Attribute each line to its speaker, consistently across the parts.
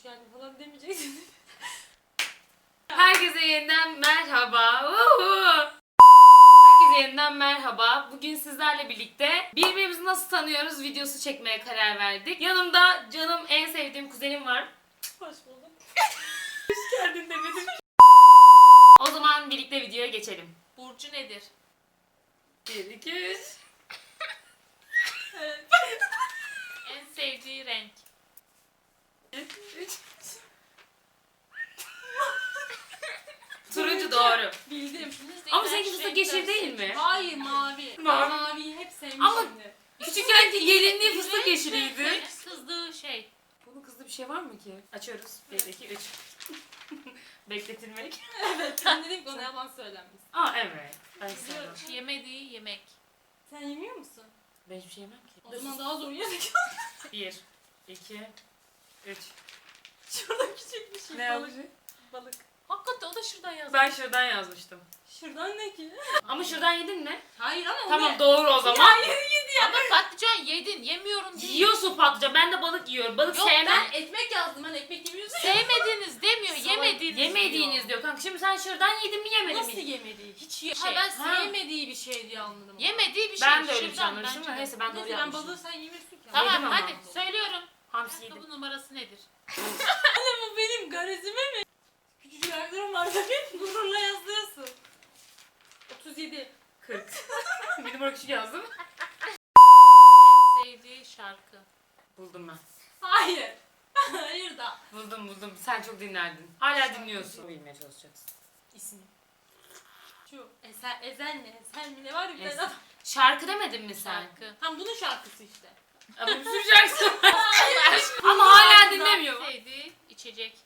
Speaker 1: geldin falan demeyeceksin.
Speaker 2: Herkese yeniden merhaba. Herkese yeniden merhaba. Bugün sizlerle birlikte birbirimizi nasıl tanıyoruz videosu çekmeye karar verdik. Yanımda canım en sevdiğim kuzenim var.
Speaker 1: Hoş bulduk.
Speaker 2: Hoş geldin demedim. O zaman birlikte videoya geçelim.
Speaker 3: Burcu nedir?
Speaker 2: 1, 2, 3.
Speaker 1: Evet.
Speaker 3: En sevdiği renk.
Speaker 2: 3. Turuncu doğru.
Speaker 1: Bildim.
Speaker 2: Ama seninki fıstık yeşil değil mi?
Speaker 1: Hayır mavi.
Speaker 2: Mavi.
Speaker 1: Maviyi hep sevmişimdir.
Speaker 2: Ama küçükken gelinliği fıstık yeşiliydi.
Speaker 3: Kızdığı şey.
Speaker 2: Bunun kızdığı bir şey var mı ki? Açıyoruz. 1, 2, 3. Bekletilmek.
Speaker 1: Evet. Ben dedim ki ona yalan söylenmiş.
Speaker 2: Aa evet. Ben sevmem.
Speaker 3: Yemediği yemek.
Speaker 1: Sen yemiyor musun?
Speaker 2: Ben hiçbir şey yemem ki.
Speaker 1: O zaman daha zor yedik.
Speaker 2: 1, 2, 3.
Speaker 1: Şurada küçük bir şey.
Speaker 2: Ne
Speaker 1: balık.
Speaker 2: yazmış?
Speaker 1: Balık.
Speaker 3: Hakikaten o da şuradan yazdı.
Speaker 2: Ben şuradan yazmıştım.
Speaker 1: Şuradan ne ki?
Speaker 2: Ama şuradan yedin mi?
Speaker 1: Hayır ama
Speaker 2: Tamam doğru o zaman.
Speaker 3: Ama patlıcan yedin. Yemiyorum değil.
Speaker 2: Yiyorsun patlıcan. Ben de balık yiyorum. Balık
Speaker 3: Yok,
Speaker 2: sevmem.
Speaker 1: Ben ekmek yazdım. Ben ekmek yemiyorsun.
Speaker 3: Sevmediğiniz demiyor. Yemediğiniz
Speaker 2: Yemediğiniz diyor kanka. Şimdi sen şuradan yedin mi yemedin
Speaker 1: Nasıl
Speaker 2: mi?
Speaker 1: yemediği? Hiç
Speaker 3: Şey,
Speaker 1: Ha ben
Speaker 2: ha.
Speaker 1: sevmediği bir şey diye anladım.
Speaker 3: Yemediği bir şey.
Speaker 2: Ben de öyle bir şey
Speaker 3: Şuradan
Speaker 2: anlamıştım
Speaker 3: bence
Speaker 2: da
Speaker 3: de.
Speaker 2: neyse ben doğru
Speaker 1: Neyse ben
Speaker 2: yapmışım.
Speaker 1: balığı sen yemiyorsun ki.
Speaker 3: Tamam
Speaker 2: Yedim ama.
Speaker 3: hadi söylüyorum.
Speaker 2: Hamsi yedim.
Speaker 3: Ayakkabı numarası nedir?
Speaker 1: Bu benim garezime mi? Küçücük ayaklarım var tabii. Gururla yazıyorsun. 37.
Speaker 2: 40. Bir numara küçük yazdım.
Speaker 3: En sevdiği şarkı.
Speaker 2: Buldum ben.
Speaker 1: Hayır. Hayır da.
Speaker 2: Buldum. Sen çok dinlerdin. Hala dinliyorsun. Bilmeye çalışacaksın.
Speaker 1: İsmi. Şu Ezel mi? Ezel mi ne var ya bir tane
Speaker 2: Ezel.
Speaker 1: adam.
Speaker 2: Şarkı demedin mi sen?
Speaker 3: Şarkı.
Speaker 1: Tam bunun şarkısı işte.
Speaker 2: Ama bir sürü şarkısı var. Ama hala dinlemiyor.
Speaker 3: En sevdiği içecek.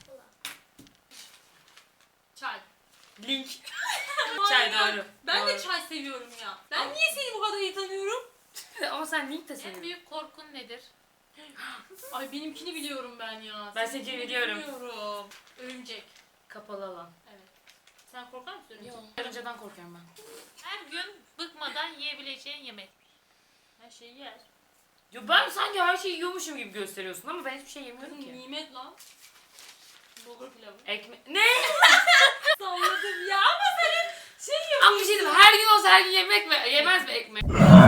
Speaker 1: Çay.
Speaker 2: Link.
Speaker 1: Hayır,
Speaker 2: Çay doğru.
Speaker 1: Ben de
Speaker 2: Doğru.
Speaker 1: çay seviyorum ya. Ben niye seni bu kadar iyi tanıyorum?
Speaker 2: Ama sen link de
Speaker 3: En
Speaker 2: seviyorsun.
Speaker 3: büyük korkun nedir?
Speaker 1: Ay benimkini biliyorum ben ya.
Speaker 2: Ben
Speaker 1: Seninkini
Speaker 2: seninkini biliyorum.
Speaker 1: bilmiyorum. Örümcek.
Speaker 2: Kapalı alan.
Speaker 1: Evet. Sen korkar mısın örümcek?
Speaker 2: Karıncadan korkuyorum ben.
Speaker 3: Her gün bıkmadan yiyebileceğin yemek.
Speaker 1: Her şeyi yer.
Speaker 2: Yo ben sanki her şeyi yiyormuşum gibi gösteriyorsun ama ben hiçbir şey yemiyorum
Speaker 1: Kızım
Speaker 2: ki.
Speaker 1: nimet lan. Bulgur pilavı.
Speaker 2: Ekmek... Ne?
Speaker 1: Salladım ya ama senin şey yapıyorsun.
Speaker 2: Ama bir şey diyeyim, her gün olsa her gün yemek mi? Yemez mi ekmek?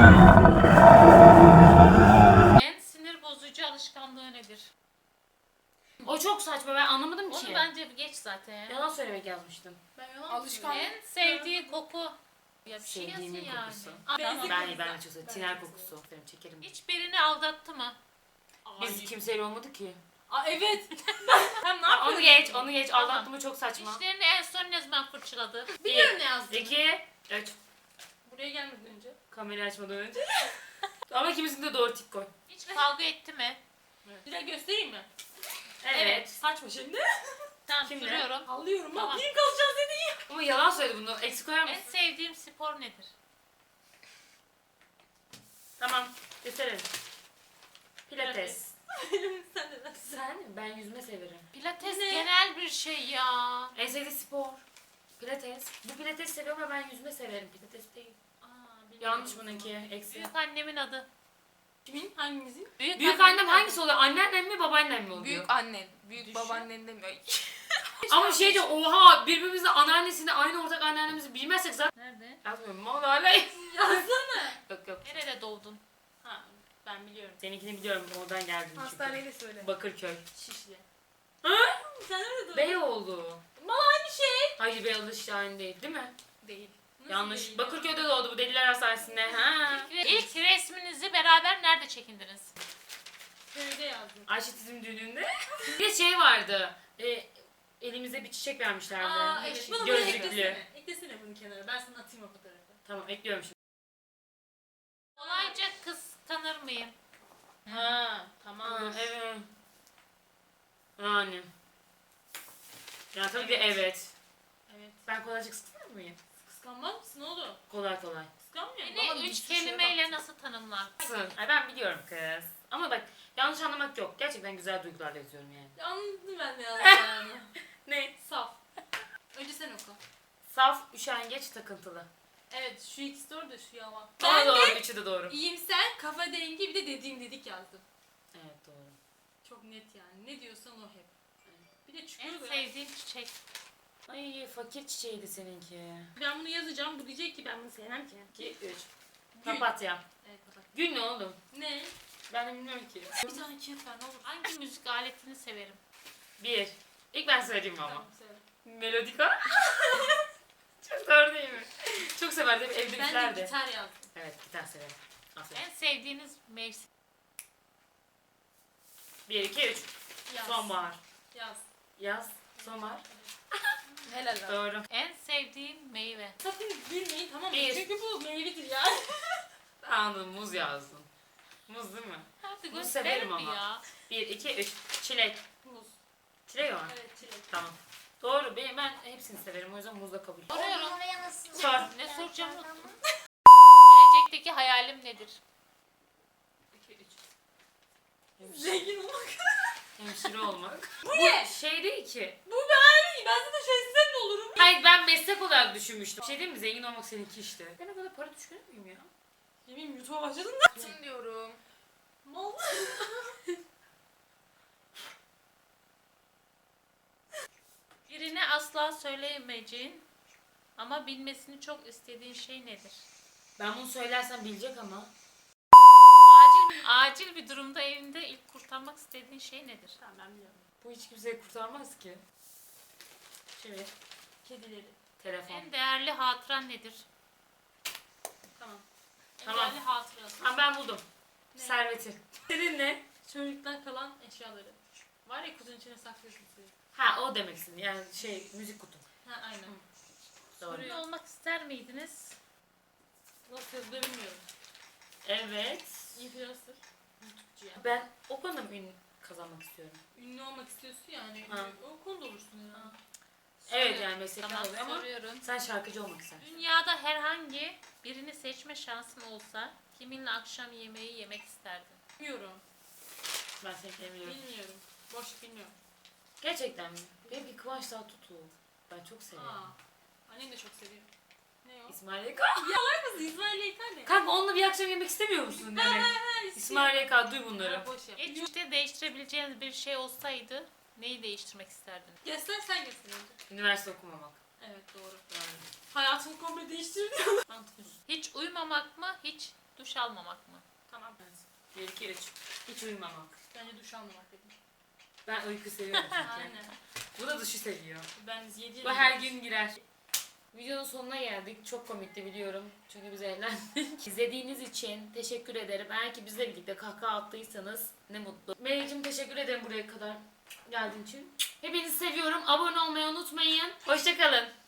Speaker 3: En sinir bozucu alışkanlığı nedir?
Speaker 2: O çok saçma, ben anlamadım ki.
Speaker 3: Onu bence geç zaten ya.
Speaker 2: Yalan söylemek yazmıştım.
Speaker 1: Ben yalan
Speaker 2: Alışkanlık.
Speaker 3: En sevdiği koku. Ya bir şey yazın
Speaker 2: Sevdiğimin
Speaker 3: yani.
Speaker 2: kokusu.
Speaker 3: Aa,
Speaker 1: Ben-
Speaker 3: tamam.
Speaker 2: Ben de çok seviyorum.
Speaker 1: Ben
Speaker 2: Tiner
Speaker 1: de
Speaker 2: kokusu. Benim çekerim.
Speaker 3: Hiçbirini aldattı mı?
Speaker 2: Biz kimseyle olmadı ki.
Speaker 1: Aa evet. Hem ne
Speaker 2: Onu
Speaker 1: yapıyorsun?
Speaker 2: onu geç.
Speaker 3: Tamam.
Speaker 2: Aldattı mı çok saçma.
Speaker 3: Dişlerini en son ne zaman fırçaladı?
Speaker 1: Biliyorum ne yazdığını.
Speaker 2: 2, 3.
Speaker 1: Buraya gelmeden önce.
Speaker 2: Kamerayı açmadan önce. Ama ikimizin de doğru tik koy.
Speaker 3: Hiç kavga etti mi?
Speaker 1: Direkt göstereyim mi?
Speaker 2: Evet.
Speaker 1: Saçma şimdi.
Speaker 3: Tamam
Speaker 2: Kimle?
Speaker 3: soruyorum.
Speaker 1: Alıyorum.
Speaker 3: Tamam.
Speaker 1: Bak kim kalacağız dedi.
Speaker 2: Ama yalan söyledi bunu. Eksik koyar
Speaker 3: En
Speaker 2: mısın?
Speaker 3: sevdiğim spor nedir?
Speaker 2: Tamam. Gösterelim. Pilates.
Speaker 1: Sen de nasıl?
Speaker 2: Sen? Ben yüzme severim.
Speaker 3: Pilates
Speaker 1: Ne?
Speaker 3: genel bir şey ya.
Speaker 2: En sevdiği spor. Pilates. Bu pilates seviyorum ama ben yüzme severim. Pilates değil.
Speaker 1: Aa, bilmiyorum.
Speaker 2: Yanlış bununki. Eksi.
Speaker 3: Büyük annemin adı.
Speaker 1: Kimin? Hangimizin?
Speaker 2: Büyük annem hangisi oluyor? Anneannem mi babaannem mi oluyor?
Speaker 4: Büyük annen, büyük
Speaker 1: Düşün.
Speaker 4: babaannen demiyor.
Speaker 2: Ama şey diyor, oha birbirimizle anneannesini aynı ortak anneannemizi bilmezsek zaten
Speaker 3: Nerede?
Speaker 2: yazmıyorum ama hala
Speaker 1: Yazsana.
Speaker 2: yok.
Speaker 3: Nerede doğdun?
Speaker 1: Ha ben biliyorum.
Speaker 2: Seninkini biliyorum, oradan geldim çünkü.
Speaker 4: Hastaneyle söyle.
Speaker 2: Bakırköy.
Speaker 1: Şişli.
Speaker 2: Hı?
Speaker 1: Sen nerede doğdun?
Speaker 2: Beyoğlu.
Speaker 1: Bana aynı şey.
Speaker 2: Hayır Beyoğlu işte aynı değil mi?
Speaker 4: Değil.
Speaker 1: Nasıl
Speaker 2: Yanlış.
Speaker 1: değil?
Speaker 2: Bakırköy'de doğdu bu deliler hastanesinde. Ha.
Speaker 3: İlk resminizi beraber nerede çekindiniz?
Speaker 1: Köyde yazdım.
Speaker 2: Ayşe Tizim düğününde. Bir de şey vardı. Elimize bir çiçek vermişlerdi.
Speaker 1: Aa evet. Bana bunu
Speaker 2: Gözlüklü.
Speaker 1: eklesene. Eklesene bunu kenara. Ben sana atayım o fotoğrafı.
Speaker 2: Tamam ekliyorum şimdi.
Speaker 3: Kolayca kıskanır mıyım?
Speaker 1: Ha tamam.
Speaker 2: Evet. Yani. Yani tabii ki evet.
Speaker 1: Evet.
Speaker 2: Ben kolayca kıskanır mıyım?
Speaker 1: Kıskanmaz mısın oğlum?
Speaker 2: Kolay.
Speaker 1: Kıskanmıyor
Speaker 3: Beni
Speaker 1: musun?
Speaker 3: üç kelimeyle nasıl tanımlar?
Speaker 2: Ay ben biliyorum kız. Ama bak yanlış anlamak yok. Gerçekten güzel duygularla yazıyorum yani.
Speaker 1: Anladım ben de yani.
Speaker 2: Ne?
Speaker 1: Saf. Önce sen oku.
Speaker 2: Saf, üşengeç, takıntılı.
Speaker 1: Evet şu ikisi doğru da şu yalan.
Speaker 2: Doğru
Speaker 1: Ben
Speaker 2: doğru.
Speaker 1: de
Speaker 2: Üçü de doğru.
Speaker 1: iyimser, kafa dengi bir de dediğim dedik yazdım.
Speaker 2: Evet doğru.
Speaker 1: Çok net yani. Ne diyorsan o hep. Bir de
Speaker 3: En
Speaker 1: çıkıyor böyle.
Speaker 3: sevdiğim çiçek.
Speaker 2: Ay fakir çiçeğiydi seninki.
Speaker 1: Ben bunu yazacağım. Bu diyecek ki ben bunu sevmem ki.
Speaker 2: 2, 3.
Speaker 1: Gül.
Speaker 2: Papatya.
Speaker 1: Evet bak.
Speaker 2: Gül ne oğlum?
Speaker 1: Ne?
Speaker 2: Ben de bilmiyorum ki.
Speaker 1: Bir tane kağıt ver ne olur.
Speaker 3: Hangi müzik aletini severim?
Speaker 2: 1. İlk ben söyleyeyim ama.
Speaker 1: Tamam söyle.
Speaker 2: Melodika. Çok doğru değil mi? Çok severdim
Speaker 1: Ben de
Speaker 2: evdekiler de.
Speaker 1: gitar yazdım.
Speaker 2: Evet gitar severim. Aferin.
Speaker 3: En sevdiğiniz mevsim.
Speaker 2: 1, 2, 3.
Speaker 1: Yaz.
Speaker 2: Sonbahar.
Speaker 1: Yaz.
Speaker 2: Yaz. Sonbahar.
Speaker 1: Helal olsun.
Speaker 2: Doğru.
Speaker 3: En sevdiğim meyve.
Speaker 1: Sakın gülmeyin tamam mı?
Speaker 2: Bir.
Speaker 1: Çünkü bu meyvedir yani.
Speaker 2: Anladım muz yazdın. Muz değil mi?
Speaker 3: Hadi
Speaker 2: Bunu
Speaker 3: gösterir
Speaker 2: severim
Speaker 3: mi
Speaker 2: ama.
Speaker 3: ya?
Speaker 2: 1, 2, 3. Çilek.
Speaker 1: Muz.
Speaker 2: Çilek mi?
Speaker 1: Evet çilek.
Speaker 2: Tamam. Doğru. Ben hepsini severim. O yüzden muzla kabul.
Speaker 3: Soruyorum.
Speaker 4: Oraya nasıl?
Speaker 2: Sor.
Speaker 3: Ne soracağım unuttum. Gelecekteki hayalim nedir?
Speaker 1: 2, 3. Zengin olmak.
Speaker 2: Hemşire olmak.
Speaker 1: Bu ne?
Speaker 2: Şey değil ki.
Speaker 1: Bu ben. Ben zaten şöyle ne olurum?
Speaker 2: Hayır ben meslek olarak düşünmüştüm. Bir şey değil mi? Zengin olmak seninki işte. Ben o kadar para düşünür müyüm ya?
Speaker 1: Yemin YouTube'a başladın da.
Speaker 4: Tüm diyorum.
Speaker 1: Mal.
Speaker 3: Birine asla söyleyemeyeceğin ama bilmesini çok istediğin şey nedir?
Speaker 2: Ben bunu söylersem bilecek ama.
Speaker 3: Acil bir durumda evinde ilk kurtarmak istediğin şey nedir?
Speaker 1: Tamam ben biliyorum.
Speaker 2: Bu hiç kimseyi kurtarmaz ki. Şöyle.
Speaker 1: Kedileri.
Speaker 2: Telefon.
Speaker 3: En değerli hatıran nedir?
Speaker 1: Tamam.
Speaker 3: En
Speaker 2: Tamam.
Speaker 3: değerli hatırası.
Speaker 2: Tamam ben buldum.
Speaker 1: Ne?
Speaker 2: Serveti. Senin ne?
Speaker 1: Çocuktan kalan eşyaları. Var ya kutunun içine saklıyorsun suyu.
Speaker 2: Ha o demek istedim. Yani müzik kutum.
Speaker 1: Ha aynen.
Speaker 2: Doğru.
Speaker 3: Ünlü olmak ister miydiniz?
Speaker 1: Nasıl yazılıyor bilmiyorum.
Speaker 2: Evet.
Speaker 1: Influencer. YouTube'cu ya.
Speaker 2: Ben o konuda mı ün kazanmak istiyorum?
Speaker 1: Ünlü olmak istiyorsun yani.
Speaker 2: Ha.
Speaker 1: O konuda olursun ya.
Speaker 2: Evet yani meslekten
Speaker 3: Tamam,
Speaker 2: oluyor ama
Speaker 3: soruyorum.
Speaker 2: sen şarkıcı olmak istersin.
Speaker 3: Dünyada herhangi birini seçme şansın olsa kiminle akşam yemeği yemek isterdin?
Speaker 1: Bilmiyorum.
Speaker 2: Ben seni biliyorum.
Speaker 1: Bilmiyorum. Boş bilmiyorum.
Speaker 2: Gerçekten mi? Benimki Kıvanç Tatlıtuğ. Ben çok seviyorum.
Speaker 1: Annem de çok seviyor. Ne o?
Speaker 2: İsmail YK.
Speaker 1: Kız İsmail Yeter ne?
Speaker 2: Kanka onunla bir akşam yemek istemiyor musun demek? İsmail YK duy bunları.
Speaker 1: Ha, boş yap.
Speaker 3: Geçmişte değiştirebileceğiniz bir şey olsaydı neyi değiştirmek isterdin?
Speaker 1: Göster sen göster önce.
Speaker 2: Üniversite okumamak.
Speaker 1: Evet doğru.
Speaker 2: Yani.
Speaker 1: Hayatını komple değiştirdi.
Speaker 2: Mantıklı.
Speaker 3: Hiç uyumamak mı, hiç duş almamak mı?
Speaker 1: Tamam.
Speaker 2: 1, 2, 3. Hiç uyumamak.
Speaker 1: Bence duş almamak dedim.
Speaker 2: Ben uyku seviyorum çünkü.
Speaker 1: Aynen.
Speaker 2: Bu da duşu seviyor.
Speaker 1: Ben 7
Speaker 2: Bu her gün girer. Videonun sonuna geldik. Çok komikti biliyorum. Çünkü biz eğlendik. İzlediğiniz için teşekkür ederim. Eğer ki bizle birlikte kahkaha attıysanız ne mutlu. Melek'cim teşekkür ederim buraya kadar geldiğin için. Hepinizi seviyorum. Abone olmayı unutmayın. Hoşçakalın.